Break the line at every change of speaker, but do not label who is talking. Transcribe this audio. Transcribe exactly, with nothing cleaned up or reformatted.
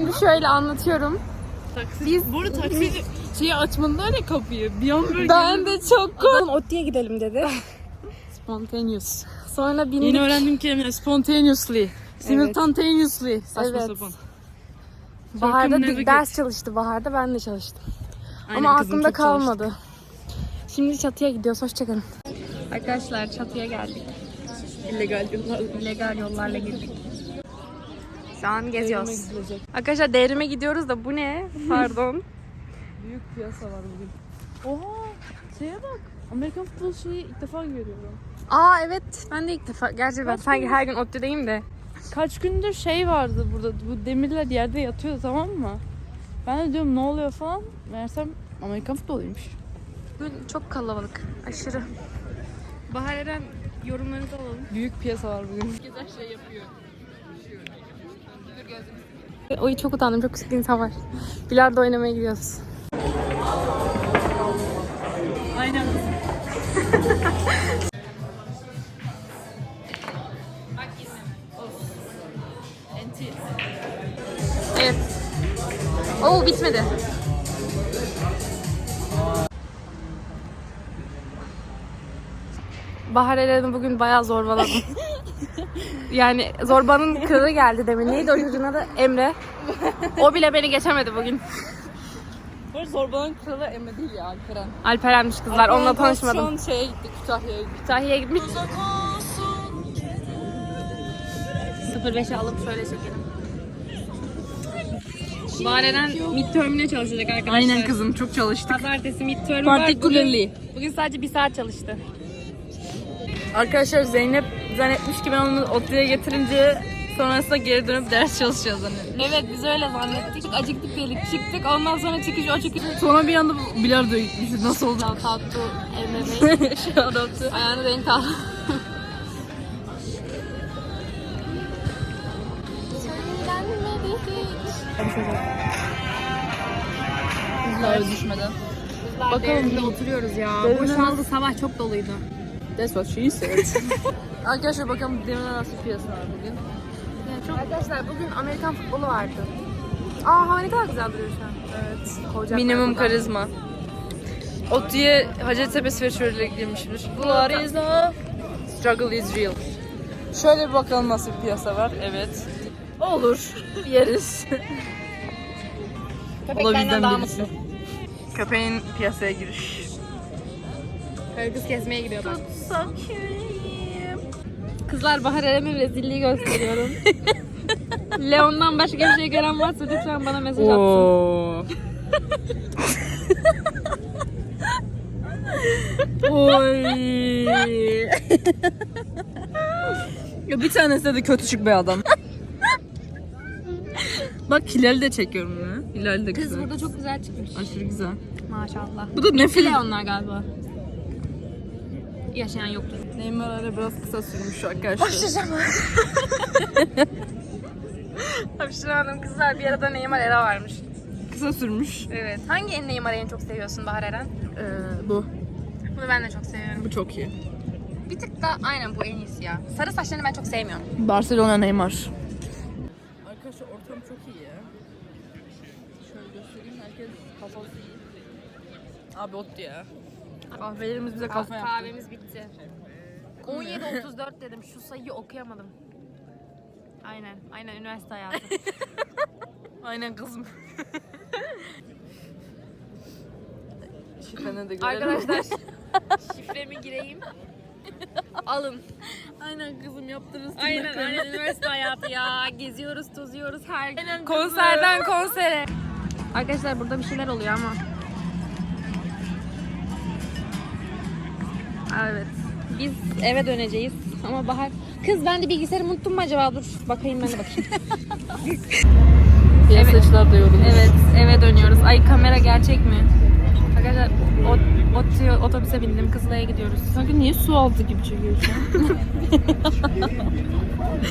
Şimdi şöyle anlatıyorum.
Taksi,
Biz...
Bu arada taksici şeyi açmadılar ya kapıyı. Bir an böyle
Ben de çok korktum.
Otti'ye gidelim dedi.
Spontaneous.
Sonra bindik.
Yeni öğrendiğim kelimeler spontaneously. Simultaneously. Saçma
Evet.
sapan.
Bahar'da
Circumnavigate.
di- ders çalıştı. Bahar'da ben de çalıştım.
Aynen
Ama
kızım,
aklımda
çok
kalmadı. Şimdi çatıya gidiyoruz. Hoşçakalın. Arkadaşlar çatıya geldik.
çalıştık. İllegal yollarla.
İllegal yollarla girdik. Şu an geziyoruz.
Devrime gidilecek.
Arkadaşlar devrime gidiyoruz da bu ne? Pardon.
Büyük piyasa var bugün. Oha! Şeye bak. Amerikan futbol şeyi ilk defa görüyorum.
Aa evet. Ben de ilk defa. Gerçi ben
Kaç
sanki
gün?
her gün ODTÜ'deyim de.
Kaç gündür şey vardı burada. Bu demirler yerde yatıyor, tamam mı? Ben de diyorum ne oluyor falan. Meğersem Amerikan futboluymuş.
Bugün çok kalabalık. Aşırı. Bahar Eren yorumlarınızı alalım.
Büyük piyasa var bugün.
Oy çok utandım. Çok küçük insan var. Bilardo oynamaya gidiyoruz.
Aynen.
Evet. Oo bitmedi. Bahar Eren'i bugün bayağı zorbaladım. Yani zorbanın kralı geldi demin. Neydi o çocuğun adı? Emre. O bile beni geçemedi bugün.
Bu arada Zorba'nın kralı Emre değil ya, Alperen.
Alperen'miş kızlar. Onunla tanışmadım.
Şu an şeye gittik, Kütahya'ya gittik.
Kütahya'ya gitmiş. sıfır beşe alıp şöyle çekelim. Bahar Eren midterm'ine çalışacak arkadaşlar.
Aynen kızım, çok çalıştık.
Pazartesi midterm var.
Particularly.
Bugün, bugün sadece bir saat çalıştı.
Arkadaşlar Zeynep zannetmiş ki ben onu ODTÜ'ye getirince sonrasında geri dönüp ders çalışacağız hani.
Evet biz öyle zannettik. Çok acıktık dedik. Çıktık ondan sonra çıkış o çıkış.
Sonra bir anda bilardoya gitmişiz. Nasıl oldu?
Shout out to Emre Bey.
Shout out to.
Ayağını denk al.
Buzlar düşmeden.
Bakalım da oturuyoruz ya. Boşaldı sabah çok doluydu.
That's what she said. Arkadaşlar bakalım demirler nasıl piyasa var bugün.
Arkadaşlar bugün Amerikan futbolu vardı. Aa hava ne kadar güzel duruyor şu an.
Evet.
Kovacaklar
Minimum
buradan.
karizma. ODTÜ'ye Hacettepe Sweatshirt'le girmişimdir. What is love? Struggle is real. Şöyle bir bakalım nasıl bir piyasa var. Evet. Olur. Yeriz. O da bizden
daha
birisi. Köpeğin piyasaya giriş.
Karı kız gezmeye gidiyor bak. Kızlar Bahar Eren'in rezilliği gösteriyorum. Leon'dan başka bir şey gören varsa lütfen bana mesaj atsın.
Oo. Oy. Ya bir tanesi de kötü çık bir adam. Bak Hilal'i de çekiyorum ya. Hilal de
Kız
güzel.
burada çok güzel çıkmış.
Aşırı güzel.
Maşallah.
Bu da ne film?
Leonlar galiba. Yaşayan yoktur.
Neymar ara biraz kısa sürmüş arkadaşlar.
Hapşıramadım kızlar bir arada Neymar Era varmış.
Kısa sürmüş.
Evet. Hangi en Neymar'ı en çok seviyorsun Bahar Eren?
Ee, bu.
Bunu ben de çok seviyorum.
Bu çok iyi.
Bir tık da aynen bu en iyisi ya. Sarı saçlarını ben çok sevmiyorum.
Barcelona Neymar. Arkadaşlar ortam çok iyi ya. Şöyle göstereyim, herkes kafası iyi. Abi ODTÜ ya. Kahvelerimiz bize kafa yaptı.
Kahvemiz bitti. on yedi otuz dört dedim. Şu sayıyı okuyamadım. Aynen. Aynen üniversite hayatı.
Aynen kızım. Şifrene de görelim.
Arkadaşlar şifremi gireyim. Alın.
Aynen kızım yaptırırız.
Aynen aynen üniversite hayatı ya. Geziyoruz, tozuyoruz her gün.
Aynen
Konserden konsere. Arkadaşlar burada bir şeyler oluyor ama. Evet. Biz eve döneceğiz ama Bahar... Kız ben de bilgisayarımı unuttum mu acaba? Dur bakayım ben de bakayım.
Piyasacılar da yorulmuş.
Evet eve dönüyoruz. Ay kamera gerçek mi? Arkadaşlar ot, ot, otobüse bindim. Kızılay'a gidiyoruz.
Sanki niye su altı gibi çekiyor şu an?